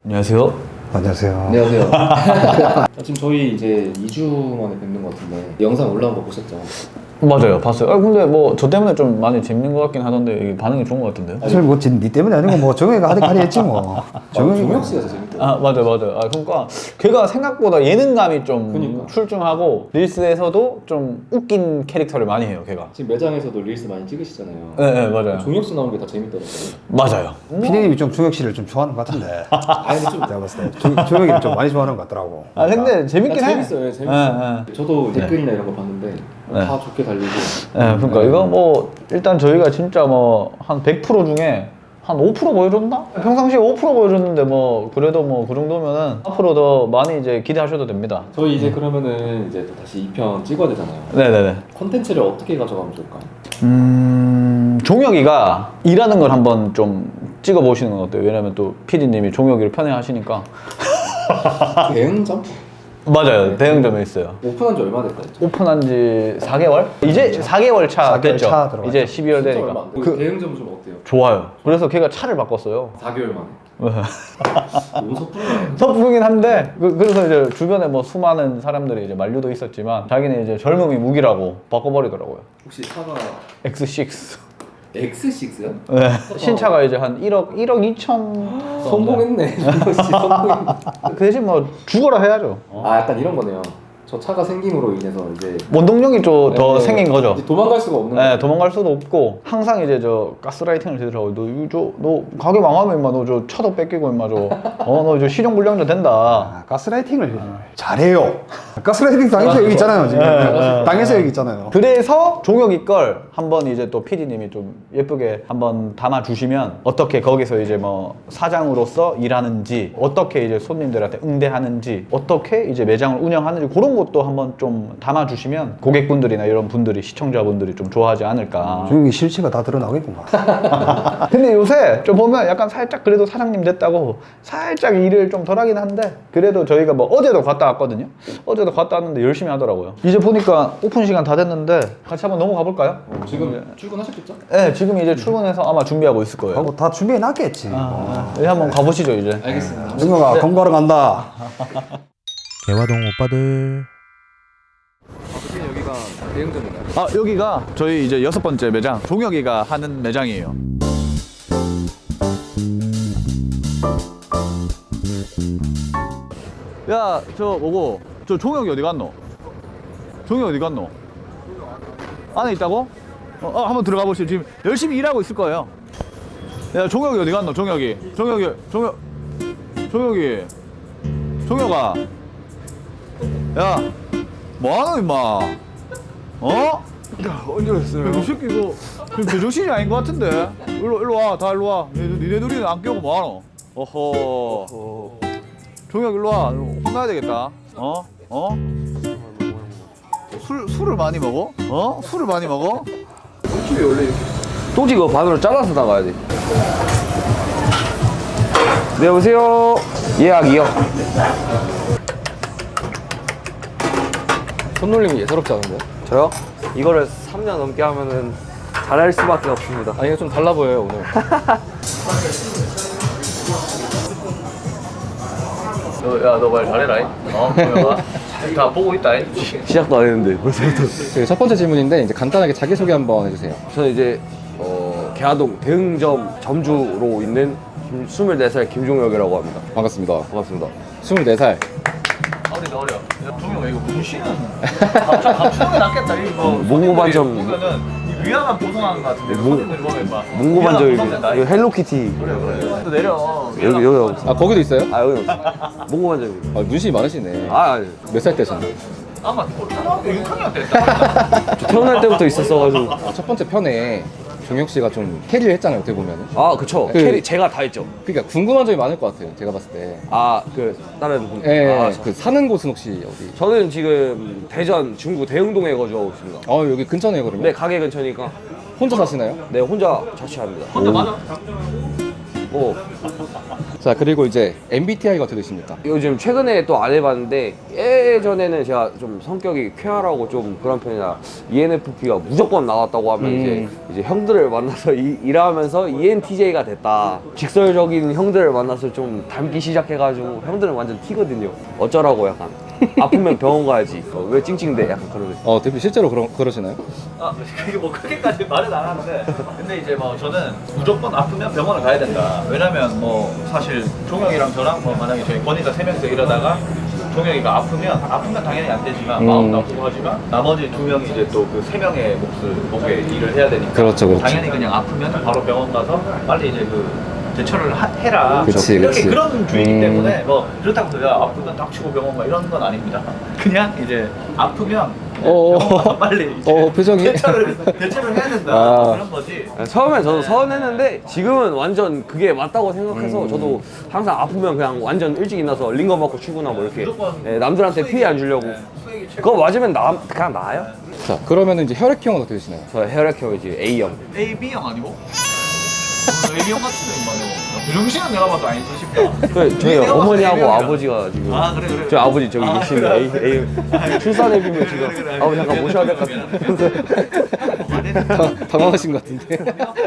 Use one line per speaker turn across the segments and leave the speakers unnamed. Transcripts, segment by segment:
안녕하세요.
안녕하세요.
안녕하세요. 지금 저희 이제 2주 만에 뵙는 것 같은데 영상 올라온 거 보셨죠?
맞아요, 봤어요. 근데 뭐 저 때문에 좀 많이 재밌는 것 같긴 하던데 이게 반응이 좋은 것 같은데요?
사실 뭐 니 때문에 아니고 뭐 정혁이가 하니까 했지 뭐.
종혁 씨가 더 재밌더라고요.
아 맞아요. 그러니까 걔가 생각보다 예능감이 좀
그러니까.
출중하고 릴스에서도 좀 웃긴 캐릭터를 많이 해요. 걔가.
지금 매장에서도 릴스 많이 찍으시잖아요.
네 맞아요.
종혁 씨 나오는 게 다 재밌더라고요.
맞아요.
피디님이 좀 정혁 씨를 좀 좋아하는 것 같은데.
아니 근데 좀
내가 봤을 때 정혁이를 좀 많이 좋아하는 것 같더라고.
아 근데 재밌긴 해.
재밌어요. 재밌어요.
네.
저도 댓글이나 이런 거 봤는데
네.
다 좋게 달리고.
네, 그러니까 이거 뭐 일단 저희가 진짜 뭐 한 100% 중에 한 5% 보여줬나? 평상시에 5% 보여줬는데 뭐 그래도 뭐 그 정도면은 앞으로 더 많이 이제 기대하셔도 됩니다.
저희 이제 그러면은 이제 또 다시 2편 찍어야 되잖아요.
네네네.
콘텐츠를 어떻게 가져가면 좋을까요?
종혁이가 일하는 걸 한번 좀 찍어 보시는 건 어때요? 왜냐면 또 PD님이 종혁이를 편애하시니까.
대응점?
맞아요. 대형점에 있어요.
오픈한 지 얼마 됐다 했죠?
오픈한 지 4개월? 이제 4개월 차
4개월
됐죠.
차 들어갔죠.
이제 12월
진짜 얼마
되니까.
안 돼요. 대응점 좀 어때요?
좋아요. 그래서 걔가 차를 바꿨어요.
4개월 만에. 너무 섣부르네요.
섣부르긴 한데 그래서 이제 주변에 뭐 수많은 사람들이 이제 만류도 있었지만 자기는 이제 젊음이 무기라고 바꿔버리더라고요.
혹시 차가
X6.
X6요?
네. 신차가 이제 한 1억 2천
성공했네. 역시 성공했네.
그 대신 뭐 죽어라 해야죠.
아 약간 이런 거네요. 저 차가 생김으로 인해서 이제
원동력이 좀 더
네,
생긴 거죠.
이제 도망갈 수가 없는
네,
거예요.
도망갈 수도 없고 항상 이제 저 가스라이팅을 되더라고요. 너 가게 망하면 임마 너 저 차도 뺏기고 임마 너 저 실용불량자 된다.
아, 가스라이팅을 잘해요. 가스라이팅 당해서 여기 있잖아요 지금. 당해서 여기 있잖아요.
그래서 종혁이 걸 한번 이제 또 PD님이 좀 예쁘게 한번 담아 주시면 어떻게 거기서 이제 뭐 사장으로서 일하는지 어떻게 이제 손님들한테 응대하는지 어떻게 이제 매장을 운영하는지 그런 것도 한번 좀 담아 주시면 고객분들이나 이런 분들이 시청자분들이 좀 좋아하지 않을까.
정혁이 실체가 다 드러나겠구만.
근데 요새 좀 보면 약간 살짝 그래도 사장님 됐다고 살짝 일을 좀 덜 하긴 한데 그래도 저희가 뭐 어제도 갔다 왔거든요. 어제도 갔다 왔는데 열심히 하더라고요. 이제 보니까 오픈 시간 다 됐는데 같이 한번 넘어가 볼까요?
지금 출근하셨겠죠?
네, 지금 이제 출근해서 아마 준비하고 있을 거예요.
하고 다 준비해 놨겠지.
네, 한번 가보시죠 이제.
알겠습니다.
정혁아 공부하러 간다.
개화동 오빠들.
지금 여기가 대응점인가요?
아 여기가 저희 이제 6번째 매장 종혁이가 하는 매장이에요. 야 저 뭐고 저 종혁이 어디 갔노? 종혁이 어디 갔노? 안에 있다고? 한번 들어가 보시죠. 지금 열심히 일하고 있을 거예요. 야 종혁이 어디 갔노? 종혁이 종혁아 야 뭐하노 임마 어? 야 언제 그랬어요? 이 새끼 이거 지금 제정신이 아닌 것 같은데 일로 와 다 일로 와 니네 둘이는 안 깨우고 뭐하노? 어허 종혁 일로 와 혼나야 되겠다 술을 많이 먹어? 술을 많이 먹어?
또지 그거 반으로 잘라서 나가야 돼. 네, 여보세요. 예약이요.
손놀림이 예사롭지 않은데요?
저요? 이거를 3년 넘게 하면은 잘할 수밖에 없습니다.
아니 좀 달라 보여요 오늘.
야 너 말 잘해라 종혁아 다 보고 있다
시작도 안 했는데 벌써부터.
그 첫 번째 질문인데 이제 간단하게 자기소개 한번 해주세요.
저는 이제 개화동 대흥점 점주로 있는 24살 김종혁이라고 합니다.
반갑습니다.
반갑습니다.
24살.
어려 야 종혁아 이거 문신은 감추는 게 낫겠다 이거
몽고반점.
보면은 이 위화감 보송하는 것 같은데 손님들이 보면 막
몽고반점입니다. 이거 헬로키티.
또 내려
여기 없어.
아 거기도 있어요?
아 여기 없어. 몽고반점입니다.
아 문신이 많으시네.
아니.
몇 살 때셨나요?
아마 초등학교 6학년 때 했다
태어날 때부터 있었어가지고.
첫 번째 편에 종혁 씨가 좀 캐리를 했잖아요 어떻게 보면은.
아 그쵸. 캐리 제가 다 했죠.
그러니까 궁금한 점이 많을 것 같아요 제가 봤을 때.
아 그 다른 분.
예.
아,
그 사는 곳은 혹시 어디?
저는 지금 대전 중구 대흥동에 거주하고 있습니다.
여기 근처네요 그러면.
네, 가게 근처니까.
혼자 사시나요?
네, 혼자 자취합니다.
혼자 맞아?
뭐
자, 그리고 이제 MBTI가 어떻게 되십니까?
요즘 최근에 또 안 해봤는데 예전에는 제가 좀 성격이 쾌활하고 좀 그런 편이라 ENFP가 무조건 나왔다고 하면 이제 형들을 만나서 일하면서 ENTJ가 됐다. 직설적인 형들을 만나서 좀 닮기 시작해가지고 형들은 완전 T거든요. 어쩌라고 약간 아프면 병원 가야지. 왜 찡찡대? 약간 그런 거.
대표 실제로 그러시나요?
아, 그게 뭐 크게까지 말은 안 하는데, 근데 이제 뭐 저는 무조건 아프면 병원을 가야 된다. 왜냐면 뭐 사실 종혁이랑 저랑 뭐 만약에 저희 권위자 3명이서 이러다가 종혁이가 아프면 당연히 안 되지만 마음 나쁘고 하지만 나머지 2명이 이제 또 그 3명의 목에 일을 해야 되니까
그렇죠.
당연히 그냥 아프면 바로 병원 가서 빨리 이제 그 제철을 해라.
그치,
이렇게
그치.
그런 주의이기 때문에 뭐 그렇다고 해서 야, 아프면 딱 치고 병원 가 이런 건 아닙니다. 그냥 이제 아프면 병원 가서 빨리 이제
표정이?
대처를 해야 된다.
아.
그런 거지.
처음엔 저도 서운했는데 지금은 완전 그게 맞다고 생각해서 저도 항상 아프면 그냥 완전 일찍 일어나서 링거 맞고 출근하고 이렇게 남들한테 피해 안 주려고. 그거 맞으면 그냥 나아요.
자, 그러면 이제 혈액형은 어떻게 되시나요?
저 혈액형 이제 A형.
AB형 아니고? AB형 같은데 인마요. 정신은 내가 봐도 아니지 싶다.
저희 어머니하고
A형이라.
아버지가 지금
그래.
저희 아버지 저기 계시는
그래.
A 출산해비면 지금
그래.
아버지 잠깐 모셔야 될 것 같은데.
당황하신 것 같은데.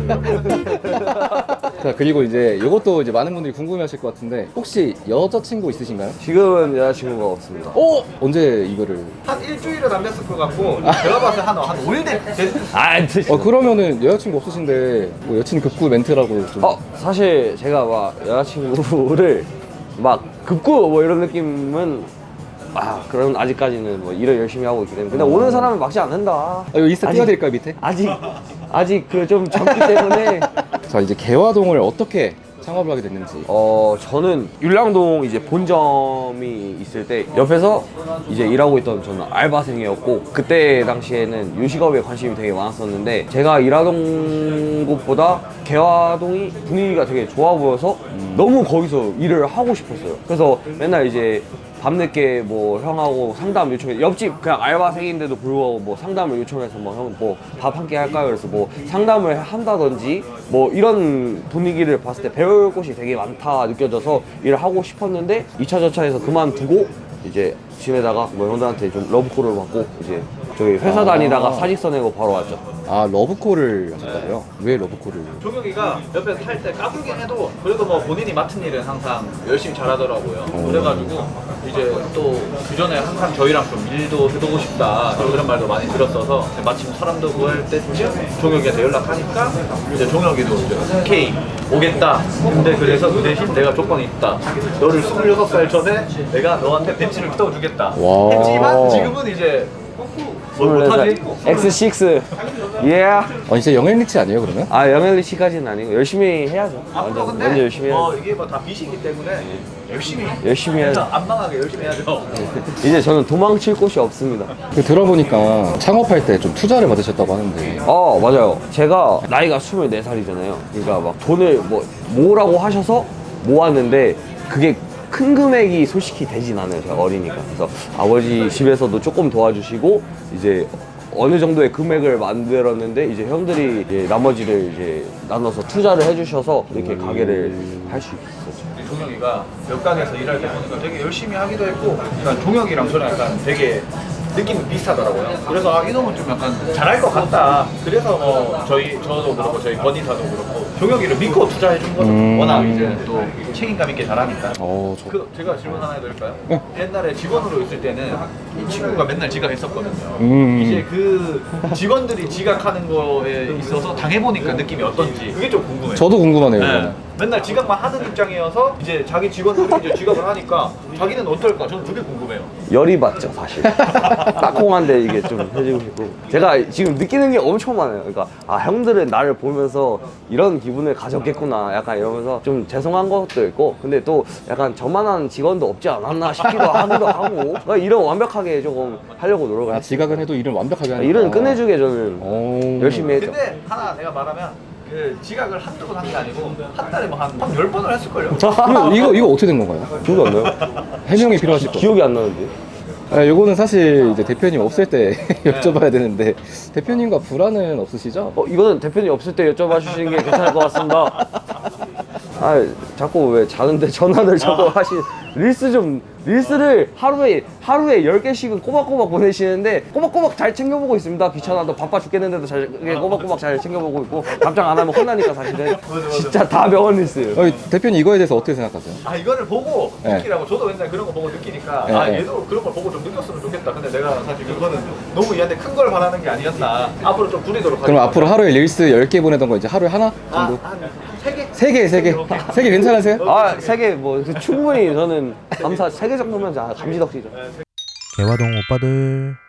자, 그리고 이제 이것도 이제 많은 분들이 궁금해하실 것 같은데 혹시 여자친구 있으신가요?
지금은 여자친구가 없습니다.
언제 이거를?
한 일주일은 안 됐을 것 같고 제가 봤을 때 한 5일 됐.
그러면은 여자친구 없으신데 뭐 여친 급구 멘트라고 좀.
사실 제가 막 여자친구를 막 급구 뭐 이런 느낌은 그럼 아직까지는 뭐 일을 열심히 하고 있기 때문에 근데 오는 사람은 막지 않는다.
이거 인스타 띄워드릴까요 밑에?
아직 그 좀 젊기 때문에.
자, 이제 개화동을 어떻게 창업을 하게 됐는지.
저는 율량동 이제 본점이 있을 때 옆에서 이제 일하고 있던 저는 알바생이었고 그때 당시에는 요식업에 관심이 되게 많았었는데 제가 일하던 곳보다 개화동이 분위기가 되게 좋아 보여서 너무 거기서 일을 하고 싶었어요. 그래서 맨날 이제 밤늦게 뭐 형하고 상담 요청해 옆집 그냥 알바생인데도 불구하고 뭐 상담을 요청해서 뭐 형 뭐 밥 한 끼 할까요? 그래서 뭐 상담을 한다든지 뭐 이런 분위기를 봤을 때 배울 곳이 되게 많다 느껴져서 일을 하고 싶었는데 2차 저차에서 그만두고 이제 집에다가 뭐 형들한테 좀 러브콜을 받고 이제 저기 회사 다니다가 사직서 내고 바로 왔죠.
러브콜을 하셨다고요? 왜 러브콜을?
종혁이가 옆에서 할 때 까불긴 해도 그래도 뭐 본인이 맡은 일은 항상 열심히 잘하더라고요. 그래가지고 이제 또 그전에 항상 저희랑 좀 일도 해보고 싶다 그런 말도 많이 들었어서 마침 사람도 구할 때쯤 종혁이한테 연락하니까 이제 종혁이도 이제 오케이 오겠다. 근데 그래서 그 대신 내가 조건이 있다. 너를 26살 전에 내가 너한테 벤치를 태워주겠다.
와.
했지만 지금은 이제 뭘 못하지?
X6
진짜 영앤리치 아니에요 그러면?
영엘리씨까지는 아니고 열심히 해야죠.
앞으로
완전
근데
열심히 해야죠.
이게 뭐 다 빚이기 때문에
열심히 해야죠.
안 망하게 열심히 해야죠.
이제 저는 도망칠 곳이 없습니다.
들어보니까 창업할 때 좀 투자를 받으셨다고 하는데.
맞아요. 제가 나이가 24살이잖아요. 그러니까 막 돈을 모으라고 하셔서 모았는데 그게 큰 금액이 솔직히 되진 않아요. 제가 어리니까. 그래서 아버지 집에서도 조금 도와주시고 이제 어느 정도의 금액을 만들었는데 이제 형들이 이제 나머지를 이제 나눠서 투자를 해주셔서 이렇게 가게를 할 수 있었죠.
종혁이가 옆가게에서 일할 때 보니까 되게 열심히 하기도 했고, 그러니까 종혁이랑 저랑 약간 되게 느낌이 비슷하더라고요. 그래서 이놈은 좀 약간 잘할 것 같다. 그래서 뭐 저도 그렇고 저희 권이사도 그렇고 종혁이를 믿고 투자해 준 거죠. 워낙 이제 또 책임감 있게 잘하니까. 제가 질문 하나 해도 될까요? 옛날에 직원으로 있을 때는 이 친구가 맨날 지각했었거든요. 이제 그 직원들이 지각하는 거에 있어서 당해보니까 느낌이 어떤지 그게 좀 궁금해요.
저도 궁금하네요.
네.
이거는.
맨날 지각만 하는 입장이어서 이제 자기 직원들이 이제 지각을 하니까 자기는 어떨까? 저는 그게 궁금해요.
열이 받죠, 사실. 따콩한데 이게 좀 해주고 싶고. 제가 지금 느끼는 게 엄청 많아요. 그러니까 형들은 나를 보면서 이런 기분을 가졌겠구나. 약간 이러면서 좀 죄송한 것도 있고, 근데 또 약간 저만한 직원도 없지 않았나 싶기도 하기도 하고. 그러니까 일은 완벽하게 조금 하려고 노력을 했어요.
지각은 해도 일은 완벽하게 하니까.
일은 끝내주게 저는 열심히 했죠.
근데 하나 내가 말하면 그 지각을 한두 번 한 게 아니고 한 달에 뭐 한 10번을 했을걸요.
이거 어떻게 된 건가요?
기억이 안 나요?
해명이 필요하실 것
기억이 안 나는데.
요거는 사실 이제 대표님 없을 때 여쭤봐야 되는데 대표님과 불화는 없으시죠?
이거는 대표님 없을 때 여쭤봐 주시는 게 괜찮을 것 같습니다. 아 자꾸 왜 자는데 전화를 자꾸 릴스를 하루에 10개씩은 꼬박꼬박 보내시는데 꼬박꼬박 잘 챙겨보고 있습니다. 귀찮아도 바빠 죽겠는데도 꼬박꼬박 잘 챙겨보고 있고 답장 안 하면 혼나니까 사실은 진짜 다 명언 릴스예요.
대표님 이거에 대해서 어떻게 생각하세요?
아 이거를 보고
네.
느끼라고 저도 맨날 그런 거 보고 느끼니까
네,
아
네.
얘도 그런 걸 보고 좀 느꼈으면 좋겠다. 근데 내가 사실 그거는 너무 얘한테 큰 걸 바라는 게 아니었나. 앞으로 좀 줄이도록
그럼 앞으로 하루에 릴스 10개 보내던 거 이제 하루에 하나 정도?
세 개?
3개 괜찮으세요?
아 3개 뭐 충분히 저는 감사 3개 정도면 감지덕지죠.
개화동 오빠들